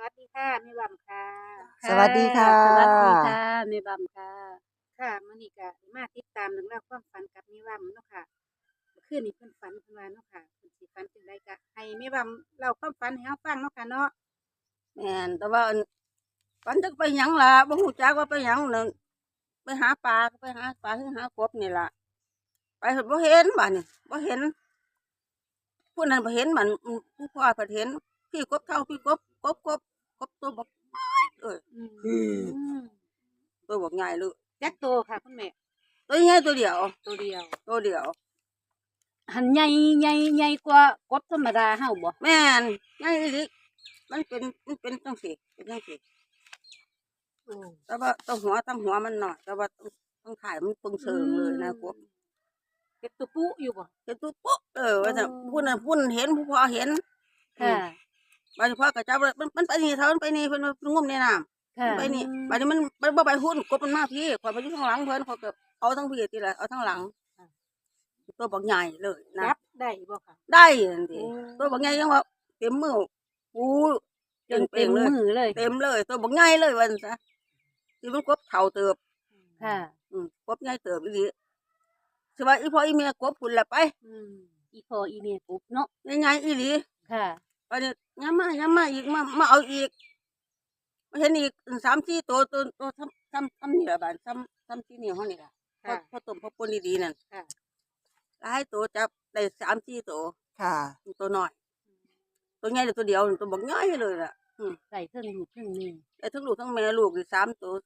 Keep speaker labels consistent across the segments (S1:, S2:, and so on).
S1: วัสดีค่ะแม่บำค่ะ
S2: สวัสดีค่ะ
S3: สวัสดีค่ะแม่บำค่ะ
S1: ค่ะมื้อนี้ก็มาติดตามเรื่องราวความฝันกับแม่บำเนาะค่ะเมื่อคืนนี้เพิ่นฝันเพิ่นว่าเนาะค่ะเพิ่นสิฝันจังไดก็ให้แม่บำเล่าความฝันให้เฮาฟังเนาะค่ะเนาะ
S3: แม่นแต่ว่าฝันจักไปหยังล่ะบ่ฮู้จักว่าไปหยังนั่นไปหาปลาก็ไปหาปลาหรือหากบนี่ล่ะไปเฮ็ดบ่เห็นบัดนี้บ่เห็นผู้นั้นบ่เห็นมันผู้พ่อเพิ่นเห็นพี่กบเท่าพี่กบตัวบักเอ้ย
S1: อืม
S3: ตัวบักใหญ่เลย
S1: จักโตค่ะคุณแม่
S3: ตัวใหญ่ตัวเดียว
S1: ตัวเดียว
S3: ตัวเดียว
S2: หันใหญ่กว่ากบธรรมดาเฮาบ่
S3: แม่นใหญ่อีหลีมันเป็นจังซี่เป็นจังซี่
S1: โอ้
S3: แต่ว่าตั้งหัวมันน้อยแต่ว่าต้องถ่ายมันปึงเชิงเลยนะกบ
S1: เฮ็ดตัวปุ๊อยู่บ่
S3: เห็นตัวปุ๊บว่าจะพูดน่ะพูดเห็นผู้พอเห็น
S2: ค่ะ
S3: บางทีพ่อก็จับมันไปนี่เท่ามันไปนี่เพิ่นงุ่มในน้ำ
S2: ค่ะ
S3: ไปนี่บางทีมันบ่ไปหุ้นกบมันมาพี่ข่อยไปอยู่ข้างหลังเพิ่นข่อยก็เอาทั้งพี่ทีละเอาทั้งหลังตัวบักใหญ่เลยนะ
S1: จับได้บ่ค่ะ
S3: ได้นั่นดิตัวบักใหญ่ยังว่าเต็มมืออู้
S2: จนเต็มมือเลย
S3: เต็มเลยตัวบักใหญ่เลยว่าซั่นซะที่มันกบเฒ่าเติบ
S2: ค่ะ
S3: กบใหญ่เติบอีหลีสิว่าอีพ่ออีแม่กบพุ่นละไป
S2: อีพ่ออีแม่กบเนาะ
S3: ใหญ่ๆอีหลี
S2: ค่ะ
S3: ไปเนี่ยย้ำมาอีกมาเอาอีกมาเห็นอีก3-4ตัวซ้ำนี่ละบาดซ้ำที่นี่ห้องนี่ละพอต้มพอปนดีๆนั่น
S1: ค่ะ
S3: หลายตัวจับได้3-4ตัว
S2: ค่ะ
S3: ตัวน้อยตัวใหญ่ตัวเดียวตัวบักน้อยเลยล่ะ
S2: ใส่เทิงลูกเทิงแม่
S3: ได้ทั้งลูกทั้งแม่ลูกอีก3ตัว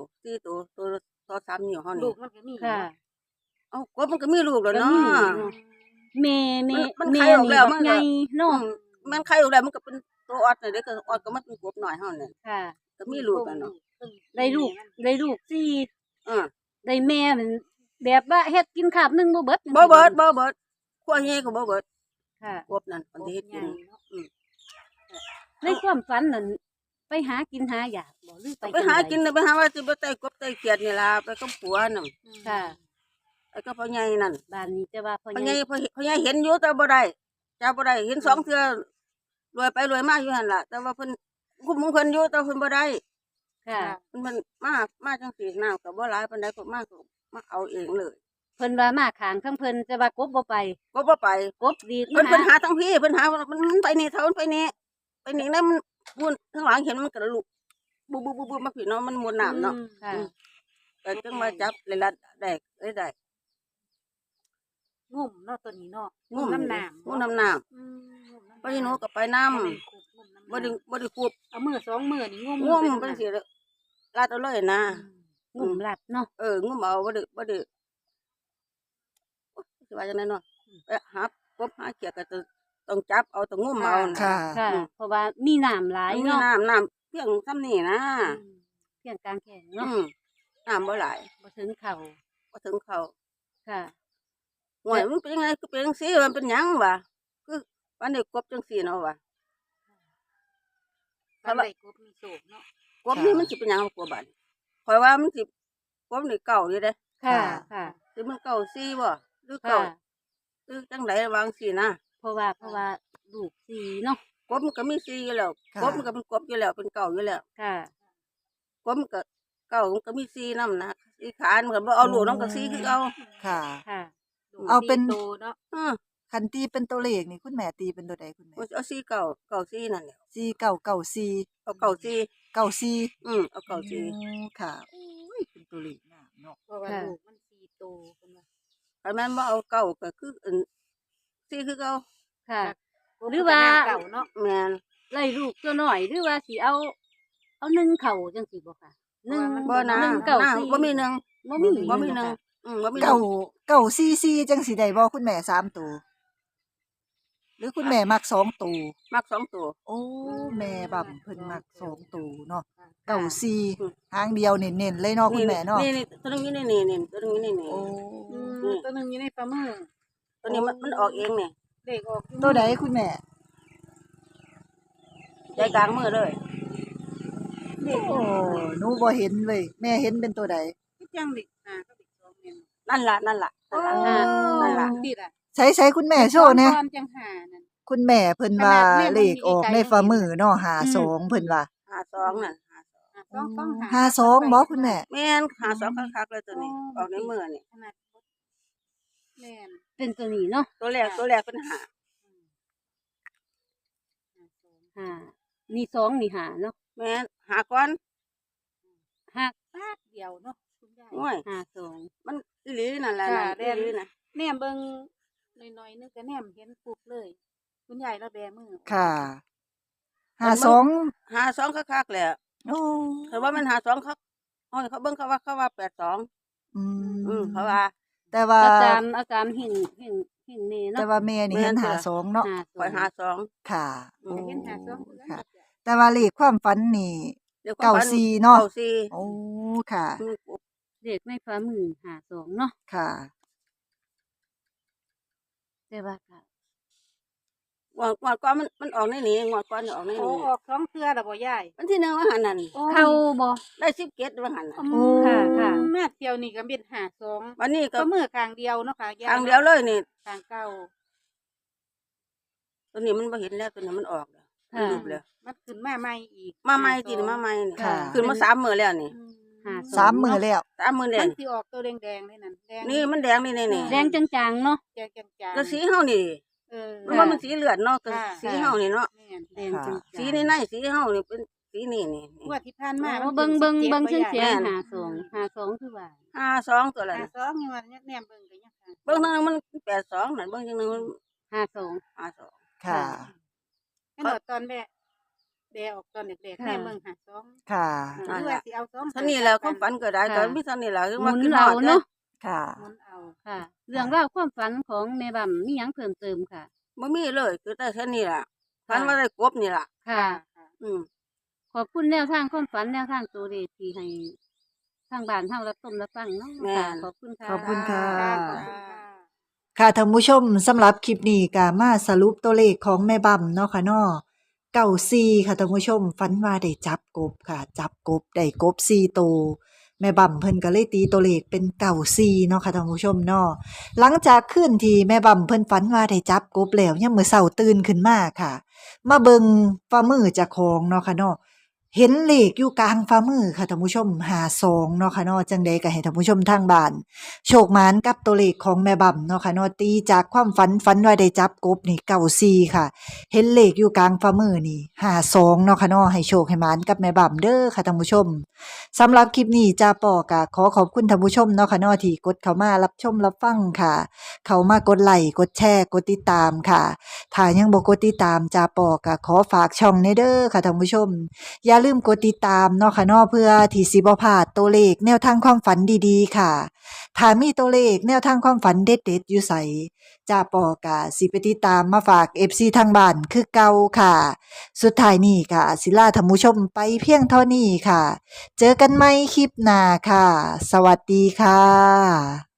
S3: 4ตัวตัว3นิ้วห้อง
S1: ลู
S3: นี่
S1: กมันก็มี
S2: ค่ะ
S3: เอ้ากบมันก็มีลูกแล้วเนาะ
S2: แม่
S3: มัน
S2: แม่
S3: ไข่ออกแล้วมัน
S2: ใหญ่เนาะ
S3: มันไข่ออกแล้วมันก็เป็นตัวออดนี่เด้ก็ออดก็มันเป็นกบน้อยเฮานี่
S2: ค่ะ
S3: ก็มีลูกแล้วเนาะ
S2: ได้ลูกสี่
S3: อ่า
S2: ได้แม่มันแบบว่าเฮ็ดกินคาบหนึงบ่เบิดจัง
S3: บ่
S2: ซี้
S3: เบิดขั้วใหญ่ก็บ่เบิด
S2: ค่ะ
S3: กบนั่นอันที่เฮ็ดกิน
S2: ในความฝันนั่นไปหากินหาอยากบ่หรือไป
S3: ไปหากินน่ะไปหาว่าสิบ่ไต่กบไต่เขียดนี่ล่ะไปกับผัวน่ะ
S2: ค่ะ
S3: ไอ้ก็พ่อใหญ่นั่น
S2: บ้านนี้แต่ว่าพ่อ
S3: พ่อ
S2: ให
S3: ให
S2: ญ่
S3: ญ่พ่อใหญ่เห็นอยู่แต่บ่ได้จับบ่ได้เห็น2เทื่อรวยไปรวยมาอยู่หั่นล่ะแต่ว่าเพิ่นคุมของเพิ่นอยู่แต่เพิ่นบ่ได้
S2: ค่ะ
S3: เพิ่นมาจังซี่น้ำก็บ่หลายปานใดก็มาเอาเองเลย
S2: เพิ่นว่ามาข้างข้างเพิ่นแต่ว่ากบบ่ไป
S3: ก็บ่ไป
S2: กบดีด
S3: เพิ่นหาทั้งพี่เพิ่นหามันไปนี่เท่ามันไปนี่แล้วมันมุนข้างหลังเห็นมันก็ลุกบุมาพี่เนาะมันมุนน้ำเนาะ
S2: ค่ะ
S3: แต่จังมาจับเลยละได้ได้
S1: งุ่มเนาะตัวนี้เนาะ
S3: งุ่ม
S1: น้ำหนาม
S3: งุ่มน้ำน้ำ
S1: งุ่มำ
S3: ไปหนูก็ไปน้
S1: บ่แม่นคุบงุ่มน้ำ
S3: ำบ่ได้ควบ
S1: เอามือสองมือนี่งุ่ม
S3: งุ่มเป็นสิลาดเอาเลยนะ
S2: งุ่มหลัดเนาะ
S3: งุ่มเอาบ่ได้สิว่าจังได๋เนาะไปหากบหาเขียดก็ต้องจับเอาต้องงุ่มเอา
S2: ค่ะ เพราะว่ามีน้ำหลาย
S3: มี
S2: เนาะ
S3: น้ำเพียงซ้ำนี่นะ
S2: เพียงกลางแขนเนาะ
S3: น้ำบ่หลาย
S2: บ่ถึงเข่า
S3: บ่ถึงเขา
S2: ค่ะ
S3: ห่วยมันเป็นยังไงคือเป็นจังซี่มันเป็นหยังวะคือวันนี้กบจังซี่เนาะวะ
S1: ถ้าได้กบมีโศกเนาะ
S3: กบนี่มันสิเป็นหยังกบบัดข่อยว่ามันสิกบนี่เก่าอยู่เด้
S2: ค่ะ ค่ะ
S3: สิมันเก่าซี่บ่หรือ
S2: ค่ะ
S3: เก่าหรือจังไดวางซี่นะ
S2: เพราะว่าลูกสีเนาะ
S3: กบมันก็มีซี่อยู่แล้ว
S2: ค่ะ
S3: กบมันก็เป็นกบอยู่แล้วเป็นเก่าอยู่แล้ว
S2: ค่ะ
S3: กบมันก็เก่ามันก็มีซี่นำนะซี่ขานมันก็บ่เอาลูกน้องก็ซี่คือเอา
S4: ค่ะ
S2: ค่ะ
S1: ลูก
S4: เอาเป็น
S1: โตเนาะ
S3: เออ
S4: คันตีเป็นตัวเลขนี่คุณแม่ตีเป็นตัวใดคุณแม่
S3: มันเอาซี่เก่าซี่นั่นแหละ
S4: 4994
S3: เอาเก่าซี่
S4: 94
S3: เอาเก่าซี่
S4: ค่ะโอ้ยเป็นตัวเลขงามเนาะ
S1: เพราะว่า
S2: ค่ะ
S1: ลูกมัน4โตเพิ่นว่า
S3: คันแม่นบ่เอาเก่าก็คือซี่คือเก่า
S2: ค่ะ
S1: กบ
S2: หรือว่า
S1: มันก็น้ำเก่าเนาะ
S3: แม่น
S2: ไล่ลูกตัวน้อยหรือว่าสิเอานึ่งเข่าจังสิบ่ค่ะนึ่ง
S3: บ่นะ
S2: นึ่งเก่า
S3: นะ
S2: สิ
S3: บ่มีหนึง
S2: บ่มี
S3: บ่มีหนึง
S2: ค่ะ
S3: บ่มีหนึ
S4: เก้าง 944จังสิได้บ่คุณแม่3ตัวหรือคุณแม่มัก2ตัว
S3: มัก2ตัว
S4: โอ้แม่บั่มเพิ่นมัก2ตัวเนาะ
S3: อืม
S4: 94หางเดียวเน้นๆเลยเนาะคุณแม่เนาะ
S3: นี่ตัวนึงอยู่นี่ตัวนึงอยู่นี่
S4: โอ้
S1: ตัวหนึงอยู่ในฝ่ามือ
S3: ตัวนี้มันออกเองนี่
S1: เด็กออกอยู่
S4: ตัวใดคุณแม่
S3: ใจกลางมือเลย
S4: โอ้หนูบ่เห็นเว้ยแม่เห็นเป็นตัวใด
S1: คือจังเด็กก็เด็กสองแม่น
S3: นั่นล่ะ
S1: โอ้
S3: นั่นล่ะ
S1: ติดอ่ะ
S4: ใช้คุณแม่โชว์แหน่
S1: ก่อนจังหานั่น
S4: คุณแม่เพิ่นว่า
S1: ขนาดแม่
S4: เลขออกในฝ่ามือเนาะ
S2: อืม
S4: 52เพิ่นว่า
S3: 52น่ะ
S4: 52บ่คุณแม่
S3: แม่น52คักๆเลยตัวนี้ออกในมือนี่
S1: ขนาดแม่น
S2: เป็นตัวนี้เนาะ
S3: ตัวแรกเป็นหา
S2: ห้านี่สองนี่ห้าเนาะ
S3: แม่นหาก่อน
S2: ห้า
S1: ปาดเดียวเนาะคุณยาย
S3: โอ้ย
S2: ห้าสอง
S3: มันอีหลีนั่นแหละ
S1: ค่ะ
S3: นั่นอีหลีน่ะ
S1: แนมเบิ่งหน่อยๆนึงก็แนมเห็นปุ๊บเลย คุณยายเราแบมือ
S4: ค่ะ
S3: มัน
S4: 52
S3: 52คักๆแหละ
S4: โอ้
S3: แต่ว่ามัน52คักโอ้ยเขาเบิ่งเขาว่า82
S4: อืม
S3: เขาว่า
S4: แต่ว่า
S2: อาจารย์เห็นแม่เนาะ
S4: แต่ว่าแม่นี่เห็น
S3: แม่น
S4: 52เนาะ
S3: ข่อย52
S4: ค่ะ
S3: อืม
S1: ก็เห็นหาซ้อม
S4: ค่ะ แต่ว่าเลขความฝันนี่
S3: เดี๋ยวความฝัน
S4: 94เนาะ
S3: 94
S4: โอ้ ค่ะ
S3: อืม
S2: เด็กในฝ่ามือห้าสองเนาะ
S4: ค่ะ
S2: แต่ว่าก็
S3: งวดก่อนมันออกในนี้งวดก่อนออกใน
S1: โอ้
S3: นี้
S1: ออก2เทื่อแล้วบ่ยาย
S3: วันที่1ว่าหั่นนั่น
S2: เข้าบ่
S3: ได้17ว่าหั่นน่ะ
S4: โอ้
S2: ค่ะ
S1: แม่เที่ยวนี่ก็เป็นหา2
S3: วันนี้ก็
S1: ก็มือข้างเดียวเนาะค่ะ
S3: ทางเดียวเลยนี่
S1: ข้างเก่า
S3: ตัวนี้มันบ่เห็นแล้วตัวนี้มันออกแล้วมัน
S2: ค่ะ
S3: รูปแล้ว
S1: มันขึ้นมาใหม่อีก
S3: มาใหม่กินมาใหม่นี่
S4: ค่ะ
S3: ขึ้นมา3มื้อแล้วนี่
S1: อืม
S2: ห้า
S4: สามมื้อแล้ว
S3: 3มื้อแล้
S1: มั
S3: วน
S1: สิออกตัวแดงๆเลยนั่นแดง
S3: นี่มันแดงนี่
S2: แดงจางๆเนาะ
S1: แดงจางๆ
S3: แล้วสีเฮานี่
S1: เออ
S3: มันว่ามันสีเลือดเนาะแต่
S1: ค่ะ
S3: สีเฮานี่เนาะ
S1: แม่น
S2: แดงจางๆ
S3: สีในสีเฮานี่เป็นสีนี่นี่
S1: งวดที่ผ่านมา
S2: โอ้เบิ่งเสียง
S1: แม่น
S2: ห้าสองคือว่า
S3: 52ตัวละ
S1: หา
S3: น่ะ
S1: สองนี่ว่าแนมเบิ่งก็ยังหา
S3: เบิ่งทางนึงมัน82นั่นเบิ่งทางนึงมัน
S2: ห้าสอง
S3: 52
S4: ค่ะ
S1: ขนาดตอนแบออกตอนเด็กๆแนมเบิ่งหาสอง
S4: ค่ะ
S1: หรือว่าสิเอาสอง
S3: ท่านี้แหล้วความฝันก็ได้ตอนมีท่านี้แหละคือ
S2: หมุ
S3: ว่าน ขึ้นฮ
S2: เรา
S3: อด
S2: เนาะ
S4: ค่ะ
S1: หมุนเอา
S2: ค่ะ เรื่องราวความฝันของแม่บำมีหยังเพิ่มเติมค่ะ
S3: บ่มีเลยคือแต่แค่นี้ล่ะฝันว่าได้กบนี่ล่ะ
S2: ค่ะ
S3: อืม
S2: ขอบคุณแนวทางความฝันแนวทางตัวเลขที่ให้ทางบ้านเฮารับชมรับฟังเนาะค่ะขอบคุณค่ะ
S4: ขอบคุณค่ะ
S1: ขอบคุณค่ะ
S4: ค่ะท่านผู้ชมสำหรับคลิปนี้ก็มาสรุปตัวเลขของแม่บั่มเนาะค่ะเนาะ94ค่ะท่านผู้ชมฝันว่าได้จับกบค่ะ จับกบได้กบ4ตัวแม่บั่มเพิ่นก็เลยตีตัวเลขเป็น94เนาะค่ะท่านผู้ชมเนาะหลังจากคืนที่แม่บั่มเพิ่นฝันว่าได้จับกบแล้วยามมื้อเช้าตื่นขึ้นมาค่ะ มาเบิ่งฝ่ามือเจ้าของเนาะค่ะเนาะเห็นเลขอยู่กลางฝ่ามือค่ะท่านผู้ชม52เนาะค่ะเนาะจังใดก็ให้ท่านผู้ชมทางบ้าน โชคหมานกับตัวเลขของแม่บั่มเนาะค่ะเนาะตีจากความฝันว่าได้จับกบนี่94ค่ะ เห็นเลขอยู่กลางฝ่ามือนี่52เนาะค่ะเนาะให้โชคให้หมานกับแม่บั่มเด้อค่ะท่านผู้ชมสำหรับคลิปนี้จ้าปอก็ขอขอบคุณท่านผู้ชมเนาะค่ะเนาะที่กดเข้ามารับชมรับฟังค่ะ เข้ามากดไลค์กดแชร์กดติดตามค่ะถ้ายังบ่กดติดตามจ้าปอก็ขอฝากช่องในเด้อค่ะท่านผู้ชม อย่าลืมกดติดตามเนาะค่ะเนาะเพื่อที่สิบ่พลาดตัวเลขแนวทางความฝันดีๆค่ะ ถ้ามีตัวเลขแนวทางความฝันเด็ดๆอยู่ไสจ้าปอกะสิไปติดตามมาฝาก FC ทางบ้านคือเก่าค่ะ สุดท้ายนี้ค่ะศิลาท่านผู้ชมไปเพียงเท่านี้ค่ะ เจอกันใหม่คลิปหน้าค่ะ สวัสดีค่ะ